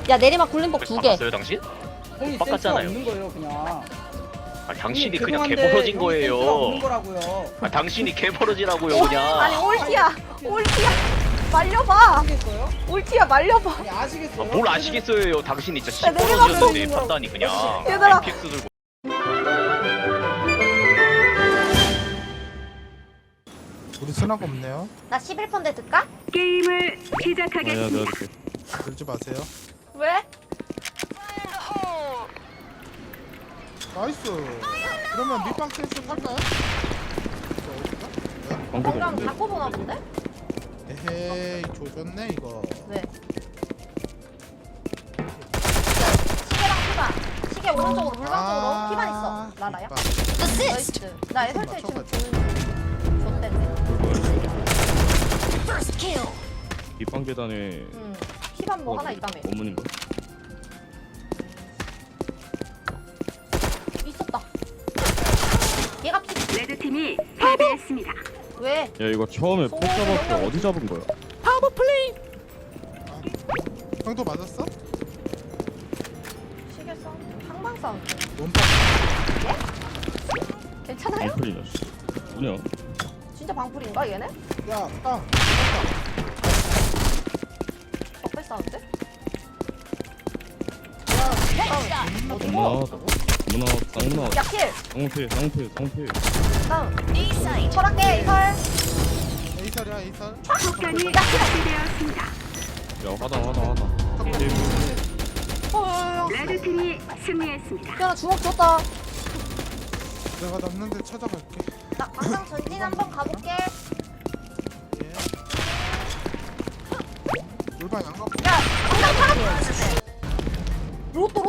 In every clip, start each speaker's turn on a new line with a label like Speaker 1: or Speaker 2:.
Speaker 1: 야 내리막 굴림복 2개.
Speaker 2: 바꿨어요 당신?
Speaker 3: 형이 센스가
Speaker 2: 바꿨잖아요.
Speaker 3: 없는 거예요 그냥.
Speaker 2: 아 당신이
Speaker 3: 형님,
Speaker 2: 그냥
Speaker 3: 죄송한데
Speaker 2: 개벌어진
Speaker 3: 형이 센스가 없는
Speaker 2: 거예요.
Speaker 3: 거라고요.
Speaker 2: 아 당신이 개벌어지라고요 그냥.
Speaker 1: 아니 올티야. 말려봐.
Speaker 3: 아시겠어요?
Speaker 1: 올티야 말려봐.
Speaker 3: 아니 아시겠어요?
Speaker 2: 아, 뭘 아시겠어요. 당신이 진짜
Speaker 1: 야, 내리막
Speaker 2: 시뻘어지는데 판단이 그냥.
Speaker 1: 얘들아.
Speaker 2: 픽스 들고.
Speaker 4: 우리 순화가 없네요.
Speaker 1: 나 11펀데 들까?
Speaker 5: 게임을 시작하겠습니다.
Speaker 4: 들지 마세요.
Speaker 1: 왜?
Speaker 4: 나이스. 그러면 밑방 센스 살까요?
Speaker 1: 건강 갖고 보나 본데?
Speaker 4: 에헤이 조졌네 이거.
Speaker 1: 네. 시계랑 피반. 시계 오른쪽으로 물방 쪽으로 피반 있어. 나라야. 나이스. 나 애설때 지금 주는 줬댄데.
Speaker 6: 뒷방 계단에
Speaker 1: 응. 피반 뭐 하나 있다며.
Speaker 6: 어머님가?
Speaker 1: 있었다. 얘가 피.
Speaker 5: 레드팀이 패배했습니다.
Speaker 1: 왜?
Speaker 6: 야 이거 처음에 폭 잡았을 때 어디 잡은 거야?
Speaker 4: 형도 맞았어?
Speaker 1: 시계 싸움. 항방 싸움.
Speaker 4: 원박.
Speaker 1: 괜찮아요?
Speaker 6: 방풀이냐 씨. 뭐냐?
Speaker 1: 진짜 방풀인가 얘네?
Speaker 4: 야 땅.
Speaker 1: 적배 싸움인데? 어디
Speaker 6: 문화
Speaker 1: 뭐?
Speaker 6: 문화 쌍문화
Speaker 1: 야 킬!
Speaker 6: 쌍필 쌍필 쌍필
Speaker 1: 다음 설할게 이설.
Speaker 4: 에이설이야 에이설.
Speaker 5: 폭탄이 설치되었습니다.
Speaker 6: 야 하다
Speaker 5: 레드팀이 승리했습니다.
Speaker 1: 야 나 주먹 줬다.
Speaker 4: 내가 남는데 찾아갈게.
Speaker 1: 나 광장 전진 한번 가볼게.
Speaker 4: 예. 물방 안 가고.
Speaker 1: 야 광장 팔아. 로또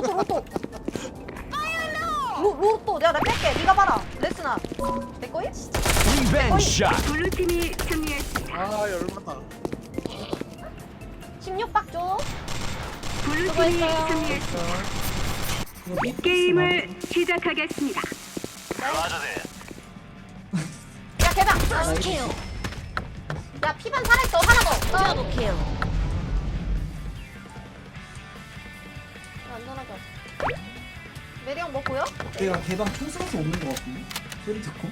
Speaker 1: 로또 야 나 뺄게. 네가 봐라. 레스나 내 거임?
Speaker 5: 블루팀이 승리했습니다.
Speaker 4: 아 열받아.
Speaker 1: 16박 줘.
Speaker 5: 블루팀이
Speaker 1: 수고했어요.
Speaker 5: 승리했습니다. 게임을 시작하겠습니다.
Speaker 1: 야 개방. 야 피반 살아있어 하나 더. 안전하게 하자. 메리 형 뭐 보여?
Speaker 3: 내가 개방 총수밖에 없는 거 같은데 소리 듣고.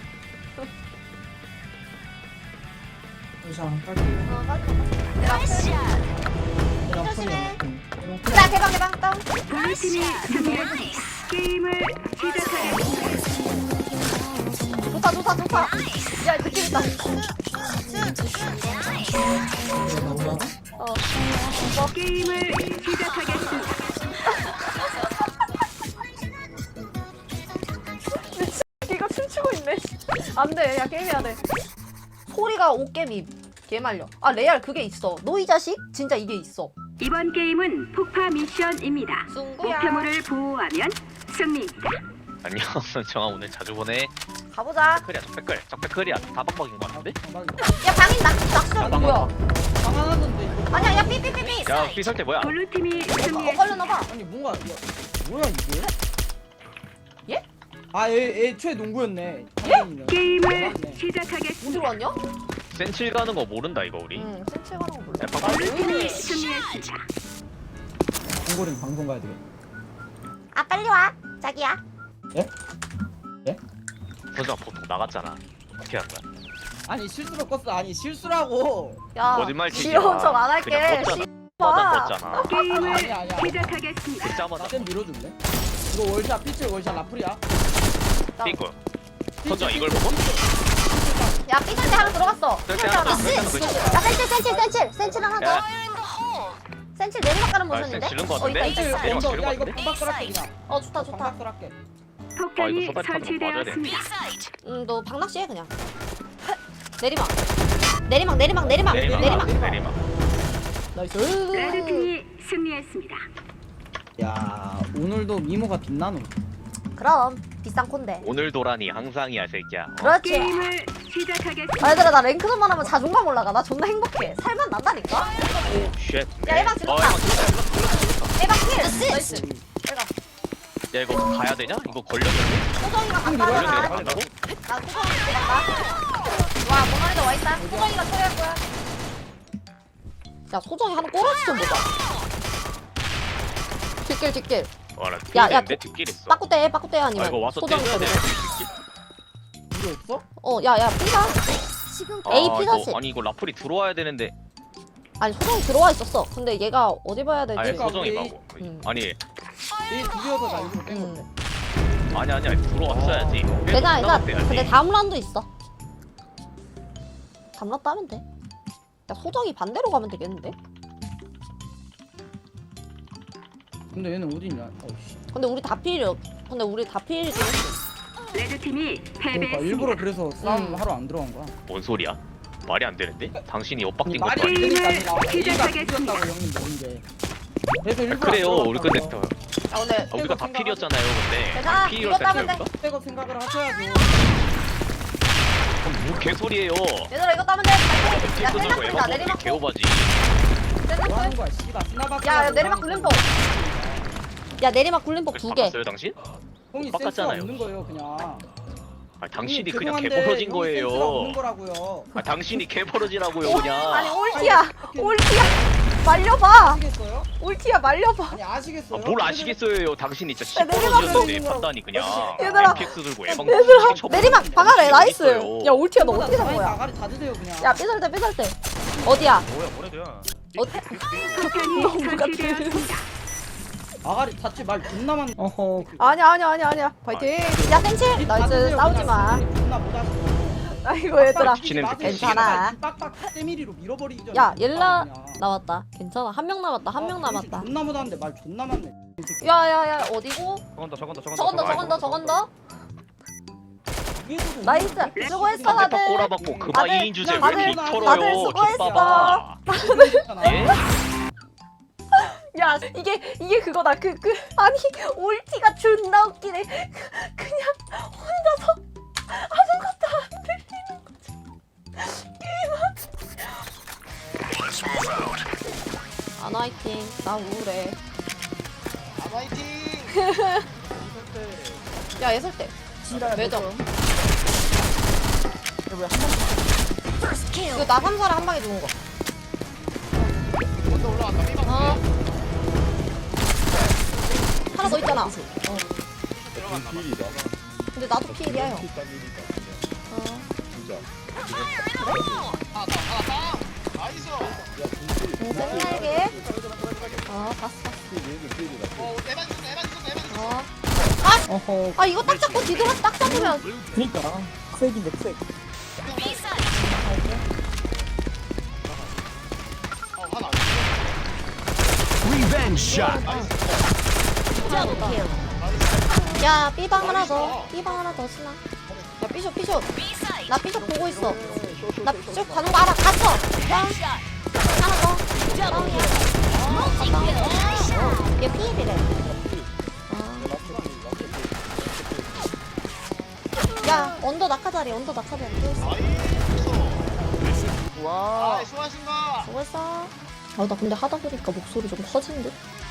Speaker 3: 자 깔게요.
Speaker 1: 어 까지.
Speaker 3: 내가
Speaker 1: 조심해.
Speaker 3: 폰이야.
Speaker 1: 자 개방 다운.
Speaker 5: 블루팀이 승리했습니다. 게임을 시작하겠습니다.
Speaker 1: 좋다. 야 느낌 있다.
Speaker 5: 게임을 시작하겠습니다.
Speaker 1: 이거 춤추고 있네. 안돼. 야 게임해야 돼. 소리가 옷개미. 개 말려. 아 레알 그게 있어. 너 이 자식? 진짜 이게 있어.
Speaker 5: 이번 게임은 폭파 미션입니다.
Speaker 1: 숭구야.
Speaker 5: 목표물을 보호하면 승리입니다.
Speaker 2: 안녕. 정아 오늘 자주 보네.
Speaker 1: 가보자.
Speaker 2: 백클이야 적백클이야 다 박박인 거 같은데?
Speaker 1: 야 방인 낙설 뭐야?
Speaker 3: 방황하던데.
Speaker 1: 아니야 야 삐삐삐삐.
Speaker 2: 야 삐설 때 뭐야?
Speaker 5: 블루팀이
Speaker 1: 걸렸나봐.
Speaker 5: 승리했습니다.
Speaker 3: 아니 뭔가 뭐야 이게?
Speaker 1: 예?
Speaker 3: 애초에 농구였네.
Speaker 5: 게임을 시작하겠습니다.
Speaker 1: 어디로 왔냐?
Speaker 2: 센칠 가는 거 모른다 이거 우리.
Speaker 1: 응 센칠 가는 거 몰라.
Speaker 2: 야, 방금
Speaker 5: 블루팀이 승리했습니다.
Speaker 3: 농구는 방송 가야 돼.
Speaker 1: 아 빨리 와 자기야.
Speaker 2: 선수가 보통 나갔잖아. 어떻게 한 거야?
Speaker 3: 아니 실수로 껐어. 아니 실수라고.
Speaker 1: 야
Speaker 2: 거짓말 치지
Speaker 1: 귀여운
Speaker 2: 마.
Speaker 1: 척 안 할게.
Speaker 2: 그냥 뻗잖아.
Speaker 1: 봐.
Speaker 2: 뻗잖아.
Speaker 5: 게임을
Speaker 3: 아니야.
Speaker 5: 시작하겠습니다.
Speaker 2: 진짜만
Speaker 3: 나좀 밀어줄래? 이거 월샷 피칠 월샷 라플이야.
Speaker 2: 삐고. 선수가 이걸 보고?
Speaker 1: 야 삐설 때 하나 들어갔어.
Speaker 2: 삐설 때
Speaker 1: 센칠
Speaker 2: 하나
Speaker 1: 하나.
Speaker 2: 들어갔어.
Speaker 1: 야 센칠 하나 더. 센칠 내리막 가는
Speaker 2: 아,
Speaker 1: 모션인데?
Speaker 2: 센칠 지른 거
Speaker 1: 어
Speaker 2: 같은데?
Speaker 1: 있다.
Speaker 2: 내리막
Speaker 3: 언더.
Speaker 2: 지른
Speaker 3: 야
Speaker 2: 거
Speaker 3: 이거
Speaker 2: 같은데?
Speaker 3: 방박 쏠게 그냥.
Speaker 1: 어 좋다.
Speaker 3: 방박 쏠게.
Speaker 5: 폭탄이
Speaker 2: 이거 소다리 타는 거 맞아야 돼.
Speaker 5: 설치되었습니다.
Speaker 1: 너 방낚시 해 그냥. 내리막. 내리막. 나이스.
Speaker 5: 레드팀이 승리했습니다.
Speaker 3: 야 오늘도 미모가 빛나노.
Speaker 1: 그럼 비싼 콘데.
Speaker 2: 오늘 도라니 항상이야 새끼야.
Speaker 1: 그렇지.
Speaker 5: 게임을 시작하겠습니다.
Speaker 1: 아, 얘들아 나 랭크전만 하면 자존감 올라가. 나 존나 행복해. 살만 난다니까.
Speaker 2: 쉣.
Speaker 1: 야, 에방 질렀다. 에방 킬. 나이스. 내가
Speaker 2: 야 이거 가야 되냐? 이거 걸렸는데?
Speaker 1: 소정이가
Speaker 2: 걸렸는데
Speaker 1: 간다잖아.
Speaker 2: 간다고?
Speaker 1: 나 소정이 들어간다. 와 모나리자 와있다. 소정이가 처리할 거야. 야 소정이 하는 꼬라지 좀 보자. 뒷길.
Speaker 2: 와나
Speaker 1: 야, 야,
Speaker 2: 뒷길인데 뒷길 있어.
Speaker 1: 빠꾸대
Speaker 2: 아
Speaker 1: 아니면
Speaker 2: 이거 와서
Speaker 1: 소정이
Speaker 2: 때려야 돼.
Speaker 1: 때리고.
Speaker 3: 이거 없어?
Speaker 1: 야야 삐가 A 피사시.
Speaker 2: 아니 이거 라플이 들어와야 되는데.
Speaker 1: 아니 소정이 들어와 있었어. 근데 얘가 어디 봐야 되지?
Speaker 2: 아니
Speaker 3: 그러니까
Speaker 2: 소정이
Speaker 3: 우리-
Speaker 2: 말고.
Speaker 1: 음.
Speaker 2: 아니
Speaker 3: 이 두개여서 나 일부러 뺀 건데.
Speaker 2: 아니 들어왔어야지.
Speaker 1: 괜찮아. 근데 다음 라운드 있어. 다음 라운드 하면 돼. 야 소정이 반대로 가면 되겠는데?
Speaker 3: 근데 얘는 어디냐? 어씨.
Speaker 1: 근데 우리 다 필요. 근데 우리 다 필이긴 했어.
Speaker 5: 레드팀이
Speaker 3: 그러니까
Speaker 5: 패배했습니다.
Speaker 3: 일부러 그래서 싸움
Speaker 1: 음.
Speaker 3: 하러 안 들어간 거야.
Speaker 2: 뭔 소리야? 말이 안 되는데? 당신이
Speaker 3: 아니,
Speaker 2: 엇박진 것도
Speaker 3: 말이
Speaker 2: 아니고.
Speaker 3: 안 되니까 아니라
Speaker 5: 게임을
Speaker 3: A가
Speaker 5: 시작하겠습니다.
Speaker 3: 죽였다고 형님 모른데. 그래서 일부러
Speaker 2: 그래요.
Speaker 3: 안
Speaker 2: 우리 근데
Speaker 3: 들어갔다고요.
Speaker 1: 아 근데
Speaker 2: 우리가 다 필이었잖아요. 근데
Speaker 1: 괜찮아.
Speaker 2: 필이었을
Speaker 1: 이거
Speaker 2: 때
Speaker 1: 따면 돼.
Speaker 2: 우리가?
Speaker 3: 그때가 생각을 하셔야죠.
Speaker 2: 뭐 개소리예요.
Speaker 1: 얘들아 이거 따면 돼. 갈게. 야
Speaker 2: 필수도
Speaker 1: 셀락 뿌리자.
Speaker 2: 에바
Speaker 1: 내리막.
Speaker 2: 개오바지.
Speaker 3: 뭐 하는 거야? 씨발 스나바스.
Speaker 1: 야 내리막 굴림법. 야 내리막 굴림법 2개.
Speaker 2: 바꿨어요 당신?
Speaker 3: 형이 센스가
Speaker 2: 빡같잖아요.
Speaker 3: 없는 거예요, 그냥.
Speaker 2: 아 당신이
Speaker 3: 형님,
Speaker 2: 그냥
Speaker 3: 죄송한데
Speaker 2: 개벌어진
Speaker 3: 형이 센스가 없는
Speaker 2: 거예요.
Speaker 3: 거라고요.
Speaker 2: 아 당신이 개벌어지라고요 그냥.
Speaker 1: 아니 올티야. 말려봐.
Speaker 3: 아시겠어요?
Speaker 1: 올티야 말려봐.
Speaker 3: 아니 아시겠어요?
Speaker 2: 뭘 아시겠어요 당신이 진짜
Speaker 1: 야, 내리막
Speaker 2: 시뻘어지는데
Speaker 1: 좀-
Speaker 2: 판단이 그냥.
Speaker 1: 얘들아.
Speaker 2: 엠픽스 들고 예방.
Speaker 1: 얘들아
Speaker 2: 쳐보고
Speaker 1: 내리막 박아래 나이스.
Speaker 2: 있어요.
Speaker 1: 야 올티야 너 어떻게 된 거야?
Speaker 3: 나가리 다 드세요 그냥.
Speaker 1: 야 삐설때. 어디야?
Speaker 2: 뭐야 뭐래도야.
Speaker 1: 어디?
Speaker 5: 폭탄이
Speaker 1: 너무 같아.
Speaker 5: 설치되었습니다.
Speaker 3: 아가리 닫지 말 존나 많. 어허.
Speaker 1: 아니야. 파이팅. 야 센치. 나이스 싸우지 마.
Speaker 3: 존나 못 하시고.
Speaker 1: 아이고 얘들아.
Speaker 2: 미치는 듯
Speaker 1: 괜찮아.
Speaker 3: 빡빡 세미리로 밀어버리기 전에.
Speaker 1: 야 옐라 나왔다. 괜찮아. 한 명 남았다. 한 명 남았다.
Speaker 3: 존나 못하는데 말 존나 많네.
Speaker 1: 야야야 어디고? 저건다. 나이스. 수고했어
Speaker 2: 상대방
Speaker 1: 다들.
Speaker 2: 꼬라박고 그만
Speaker 1: 다들-
Speaker 2: 2인 주제 왜
Speaker 1: 다들-
Speaker 2: 이렇게
Speaker 1: 다들
Speaker 2: 털어요?
Speaker 1: 수고했어.
Speaker 2: 족봐봐. 예?
Speaker 1: 야 이게 그거다. 아니 올티가 존나 웃기네. 그냥 혼자서 아무것도 안 들리는 거지. 게임. 안 화이팅. 나 우울해. 야 예설대. 매점. 이거 나 3사를 한 방에 죽은 거. 어. 하나 더 있잖아. 근데 나도 피일이야 형. 쌩날게. 봤어.
Speaker 3: 어허.
Speaker 1: 아 이거 딱 잡고 뒤돌아 딱 잡으면.
Speaker 3: 그니까. 쐐기인데 쐐기.
Speaker 1: 야 B방 하나 더. B방 하나 더 쓰나? 야 B숍. 나 B숍 보고 있어. 나 B숍 가는 거 알아. 갔어. 야. 하나 더. 다운이야. 얘 B이래. 야 언더 낙하자리 또 있어.
Speaker 4: 와 수고하신다.
Speaker 1: 수고했어. 아 나 근데 하다 보니까 목소리 좀 커진 듯.